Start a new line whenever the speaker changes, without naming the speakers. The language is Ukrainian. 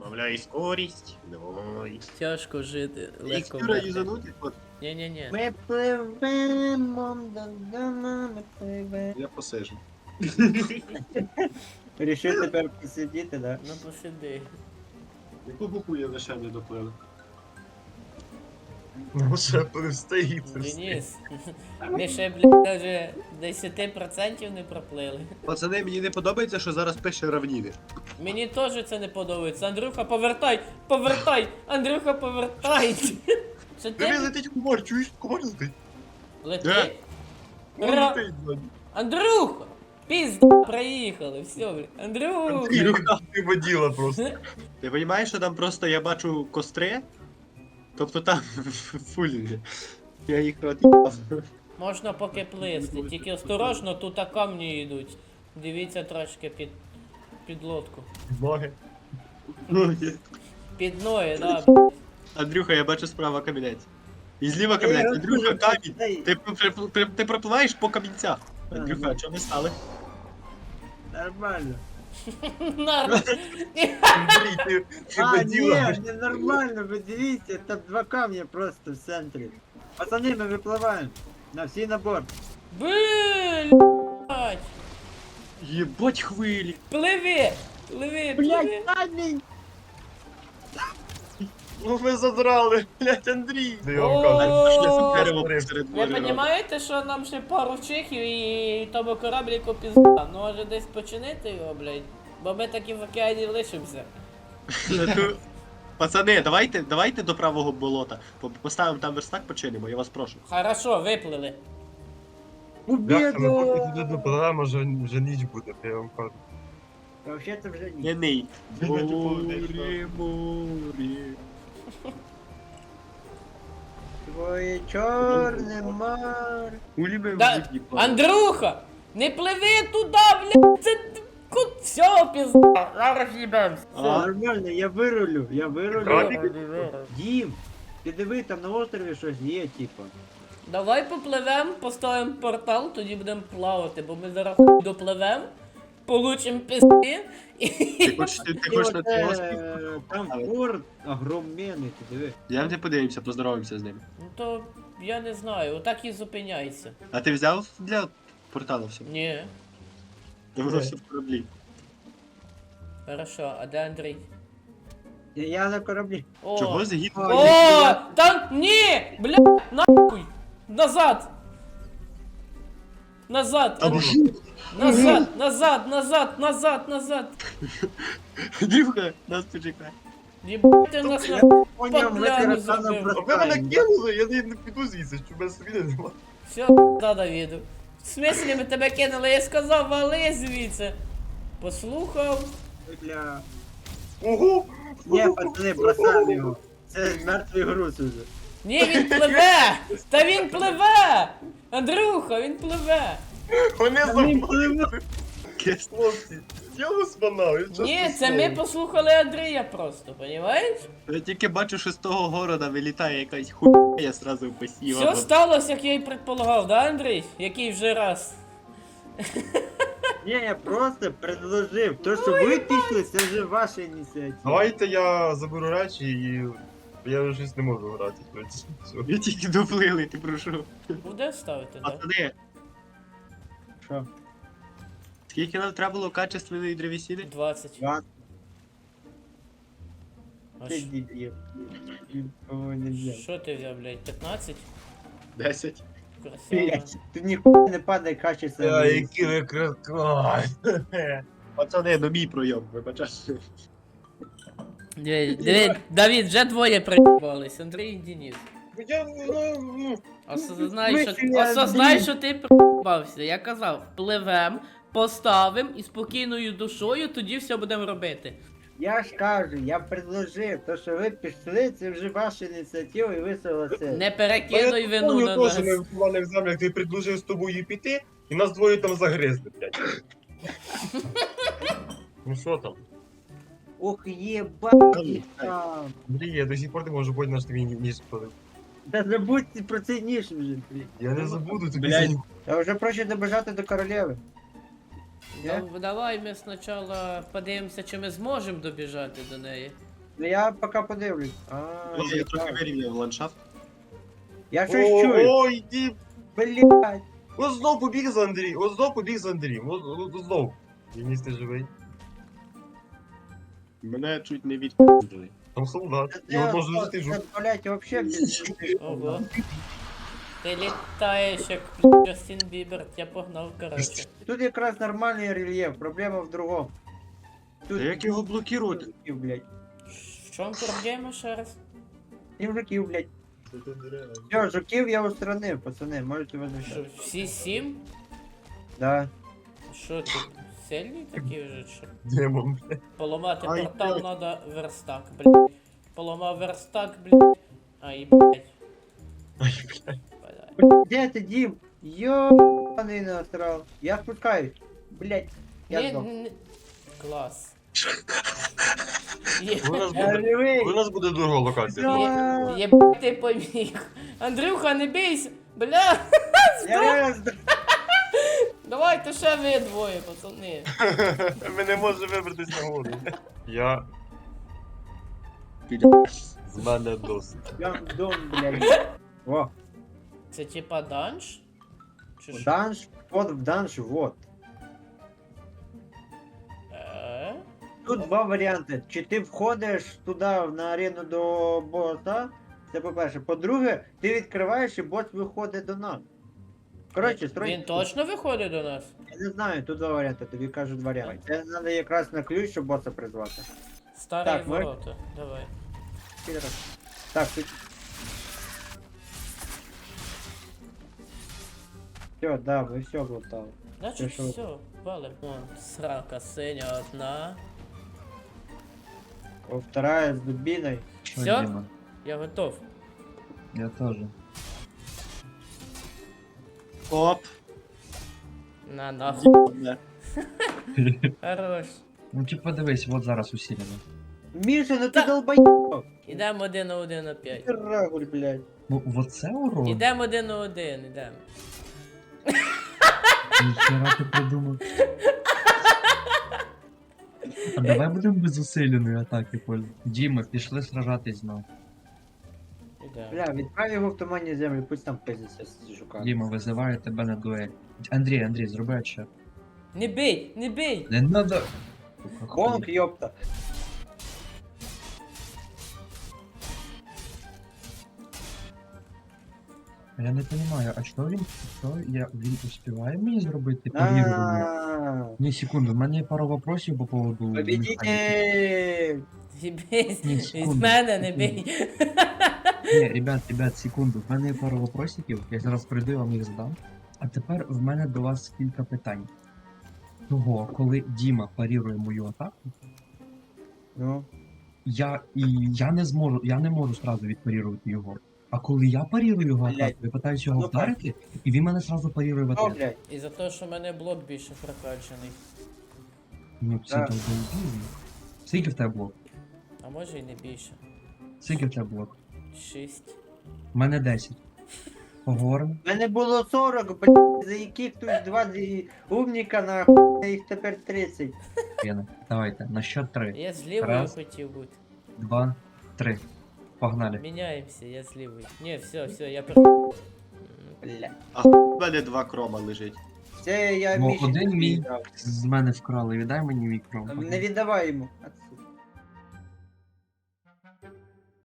Добавляй скорість. Давай.
Тяжко жити, легко
Ікстюра
вмерти.
юзанути? От,
Ні-ні-ні.
Ми пливемо, ми пливемо.
я посижу.
Рішив тепер посидіти, да?
Ну посиди.
Яку букву я лише не доплив?
Ну, ще стоїть.
Денис, ми ще, блядь, даже 10% не проплили.
Пацани, мені не подобається, що зараз пише равніни.
Мені теж це не подобається. Андрюха, повертай! Повертай! Андрюха, повертай! Це
Диви,
ти
летить кумар, чуєш? Кумар летить.
летить?
Він
Ра-
летить, ззаді.
Андрюха! Пізда, проїхали, все, блядь. Андрюха!
Ілюха, ти воділа просто.
Ти розумієш, що там просто я бачу костри? Тобто там фулінги. Я їх роз'їбав.
Можна поки плисти, тільки осторожно, тут камні йдуть. Дивіться трошки під лодку.
Ноги.
Під ноги, да.
Андрюха, я бачу справа камінець. І зліва камінець. Андрюха, камінь. Ти пропливаєш по камінцях. Андрюха, а чого ми стали?
Нормально.
Нормально.
Андрій, ти
А,
воділа.
ні, не нормально, ви дивіться, там два камня просто в центрі. Пацани, ми випливаємо. На всі на борт.
Блять!
Єбать хвилі.
Пливи! Пливи,
Блять,
пливи!
камінь!
Ну ви задрали, блядь, Андрій. Я
О!
вам кажу.
Дерево посеред
Ви
моря.
розумієте, що нам ще пару чихів і тому корабліку пізда. Ну може десь починити його, блядь. Бо ми таки в океані лишимося.
Пацани, давайте до правого болота. Поставимо там верстак, починимо, я вас прошу.
Хорошо, виплили.
Бляха, ми поки туди
Побіду!
допливемо, вже ніч буде, я вам кажу.
Та взагалі вже ні.
Не ний.
Море,
Море, море.
Твоє чорне море.
Улюбив
Да, Андрюха! Не пливи туди, блядь! Це все, пізда! Зараз їбемся.
Все, нормально, я вирулю, я вирулю.
Крабик?
Дім, ти диви, там на острові щось є, типа.
Давай попливем, поставимо портал, тоді будемо плавати, бо ми зараз допливем, получим пізди і...
Ти хочеш на цей острів?
Там порт огроменний, ти диви.
Я не подивимося, поздороваємося з ними.
Ну то я не знаю, отак і зупиняйся.
А ти взяв для порталу все?
Ні.
Воно все в кораблі.
Хорошо, а де Андрій?
Я на кораблі.
О!
Чого загід?
О! Там ні! Бля! Нахуй! Назад! Назад! Назад! Назад! Назад! Назад! Назад!
Андрюха, нас почекай.
Єбати нас на...
Поняв, ми
Пляну
таракана
зробив.
А ви мене
бросаємо.
кинули, я не піду звідси, що без світи нема.
Все, да, Давіду. В смислі ми тебе кинули? Я сказав, вали звідси. Послухав.
Бля.
Ого!
Ні, пацани, бросаємо його. Це мертвий груз уже.
Ні, він пливе! Та він пливе! Андрюха, він пливе!
Вони
Він
забули.
Кес.
Хлопці, я вас банав, я чесно
Ні, це ми
слово.
послухали Андрія просто, понімаєш?
Я тільки бачу, що з того города вилітає якась хуйня, я сразу посів.
Все сталося, як я і предполагав, да, Андрій? Який вже раз?
Ні, я просто предложив. То, що ви пішли, це вже ваша ініціатива.
Давайте я заберу речі і я вже щось не можу грати. Все.
Ви тільки доплили, ти прошу.
Буде ставити, да?
Пацани,
Що?
скільки нам треба було качественної древесини?
20.
Два.
А
Ти
що-
дебіл. Він повинен взяти.
Що ти взяв, блядь, 15?
10.
Красава.
Блять, ти ніхуя не падай качественно.
Які ви красаві.
Пацани, ну мій пройом, вибачай.
Диви, Давід, вже двоє приїбались, Андрій і Денис.
Я, ну,
Осознай, що ти приїбався. Я казав, пливем, поставим і спокійною душою тоді все будемо робити.
Я ж кажу, я предложив, то що ви пішли, це вже ваша ініціатива і ви согласились.
Не перекидуй вину на нас.
Ми впливали в землю, як ти предложив з тобою піти, і нас двоє там загризли, блядь. Ну що там?
Ох, єбать там.
Андрій, я до сих пор не можу поняти, на що тобі ніж спалив.
Та забудьте про цей ніж вже, блін.
Я не забуду тобі.
Блядь.
Та вже проще добежати до королеви. Ні?
Давай ми спочатку подивимося, чи ми зможемо добіжати до неї.
Ну я поки подивлюсь.
Я трохи вирівняв ландшафт.
Я щось чую.
Ой, Дім!
Блядь.
Ось знов побіг за Андрієм, ось знов побіг за Андрієм, ось знов. Денис, ти живий?
Мене чуть не відпустили.
Там солдат, його можна жити жу.
Блять, вообще без...
Ого. Ти літаєш як Джастін Бібер, я погнав, коротше.
Тут якраз нормальний рельєф, проблема в другому. Тут
Та як його блокувати?
мужиків, блядь.
В чому проблема ще раз?
І мужиків, блядь. Все, жуків я устранив, пацани, можете возвращаться.
Що, всі 7?
Да.
Що ти? Сильні такі вже чи?
Демон, блядь.
Поламати
Ай,
портал
блядь.
надо верстак, блядь. Поламав верстак, блядь. Ай, блядь.
Ай, блядь.
Блядь.
Где ты, Дим? Ёбаный насрал. Я спускаюсь. Блядь. Я
Ні,
сдох.
Клас.
У нас
Я
буде,
живий.
у нас буде друга локація.
Всё.
Єбать ти поміг. Андрюха, не бійся. Бля.
Я реально сдох.
Давайте ще ви двоє, пацани.
Ми не можемо вибратись на гору. Я з мене досить.
Я в дом, блядь. О,
Це типа данж? Чи
в
що?
данж, вход в данж, вот. Тут два варіанти. Чи ти входиш туди на арену до боса, це по-перше. По-друге, ти відкриваєш і бос виходить до нас. Коротше, строй.
Він точно виходить до нас?
Я не знаю, тут два варіанти, тобі кажуть варіанти. Це треба якраз на ключ, щоб боса призвати.
Старі
Так, ми-
ворота. Давай.
Так, тут. Все, да, ви все глотали.
Значить
Ти що?
все, валим. О, срака синя одна.
О, вторая з дубіною.
Что,
Всё?
Дима?
Я готов.
Я тоже.
Оп.
На нахуй.
Не.
Хорош.
Ну типа дивись, вот зараз усилено.
Міша, ну ти
Та-
долбоєб!
Ідемо 1 на 1 на 5.
Ти рагуль, блядь.
Ну вот це урон?
Ідемо 1 на 1, ідемо.
Ніхера ти придумав. А давай будемо без усиленої атаки пользуватися. Діма, пішли сражатись знов.
Ідемо.
Бля, відправ його в туманні землі, пусть там пиздиться з жука.
Діма визиває тебе на дуель. Андрій, зроби отчет.
Не бей, не бей!
Не надо.
Бонк, ёпта.
Я не розумію, а він успіває мені зробити парірування?
А,
Ні, секунду, в мене є пару вопросів по поводу механіки.
Победитель!
Зібейсь,
Ні,
від
секунду,
мене не
секунду.
бей.
Ні, ребят, секунду. В мене є пару вопросиків, я зараз прийду і вам їх задам. А тепер в мене до вас кілька питань. Того, коли Діма парірує мою атаку,
Ну,
я не можу сразу відпарірувати його. А коли я парірую його
Блядь.
атаку, я питаюся його
Ну,
вдарити, і він мене сразу парірує в
що,
ответ.
блядь?
І за те, що в мене блок більше прокачаний.
Ну, це
Так.
долбоєбізм. Скільки в тебе блок?
А може і не більше.
Скільки в тебе блок?
6.
У мене 10. Поговоримо.
В мене було 40, блядь, за яких тут два умніка, нахуй, їх тепер 30.
П'яно. Давайте, на счет 3.
Я з лівою
Раз.
хотів бути.
2, 3. Погнали.
Міняємося, я з лівою. Ні, все, я
Бля.
В мене 2 крома лежить.
Це я
Ну,
Міші
один мій.
віддав.
З мене вкрали, віддай мені мікро.
Не віддавай йому.